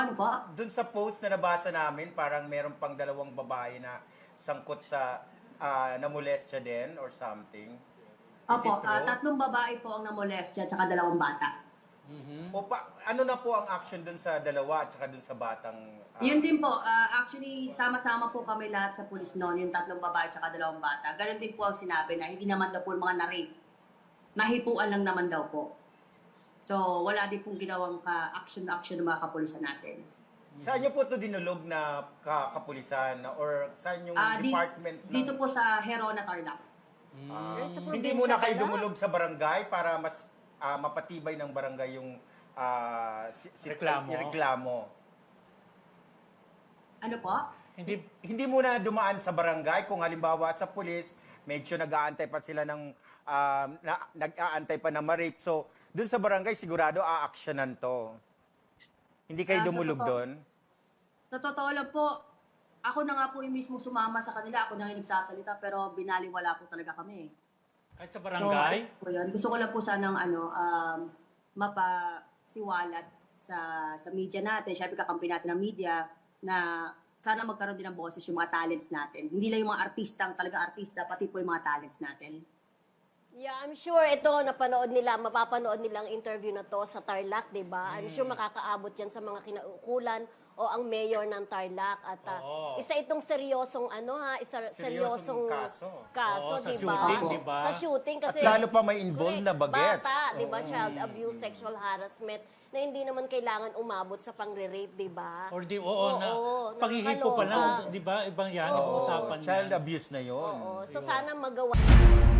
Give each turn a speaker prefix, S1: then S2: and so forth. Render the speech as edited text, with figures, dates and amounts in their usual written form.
S1: Ano po?
S2: Dun sa post na nabasa namin, parang meron pang dalawang babae na sangkot sa namolestya din or something. Is it
S1: Opo,
S2: true?
S1: 3 babae po ang namolestya tsaka 2 bata.
S2: O ano na po ang action dun sa dalawa at saka dun sa batang...
S1: Yun din po, actually, sama-sama po kami lahat sa pulis noon, yung 3 babae tsaka 2 bata. Ganon din po ang sinabi na hindi naman daw po mga na-rape. Nahipuan lang naman daw po. So, wala din pong ginawang action ng mga kapulisan natin.
S2: Saan niyo po ito dinulog na kapulisan or saan yung
S1: Di-
S2: department ng...
S1: Dito po sa Herona, Tarlac.
S3: Sa
S2: Hindi
S3: probinsya
S2: muna kayo
S3: pala.
S2: dumulog sa barangay para mas mapatibay ng barangay yung
S4: Reklamo.
S2: reklamo.
S1: Ano po?
S2: Hindi muna dumaan sa barangay kung halimbawa sa pulis, medyo nag-aantay pa sila ng nag-aantay pa na ma-rape. So, dun sa barangay sigurado a-actionan to. Hindi kayo
S1: Sa
S2: dumulog
S1: totoo-
S2: doon?
S1: Sa totoo lang po, ako na nga po yung mismo sumama sa kanila, ako na yung nagsasalita, pero binaliwala po talaga kami.
S4: Kahit sa barangay?
S1: So, yun. Gusto ko lang po sanang mapasiwalat sa media natin, syempre kakampi natin ng media, na sana magkaroon din ng boses yung mga talents natin. Hindi lang yung mga artista, talaga artista, pati po yung mga talents natin.
S3: Yeah, I'm sure ito mapapanood nila ang interview na to sa Tarlac, 'di ba? I'm sure makakaabot 'yan sa mga kinaukulan o ang mayor ng Tarlac at
S4: Oo.
S3: isa itong seryosong
S2: Seryosong kaso.
S4: Oo, sa
S3: 'di
S4: shooting, 'di ba?
S3: Sa shooting kasi
S2: At lalo pa may involved na bagets.
S3: Bata, 'di ba? Child abuse, sexual harassment na hindi naman kailangan umabot sa pangre-rape, 'di ba?
S4: Or na paghihipo pa lang,
S3: nakakaloka.
S4: 'di ba? Ibang yan,
S2: Oo,
S4: usapan
S2: child
S4: yan.
S2: abuse na yun.
S3: Oo, so sana magawa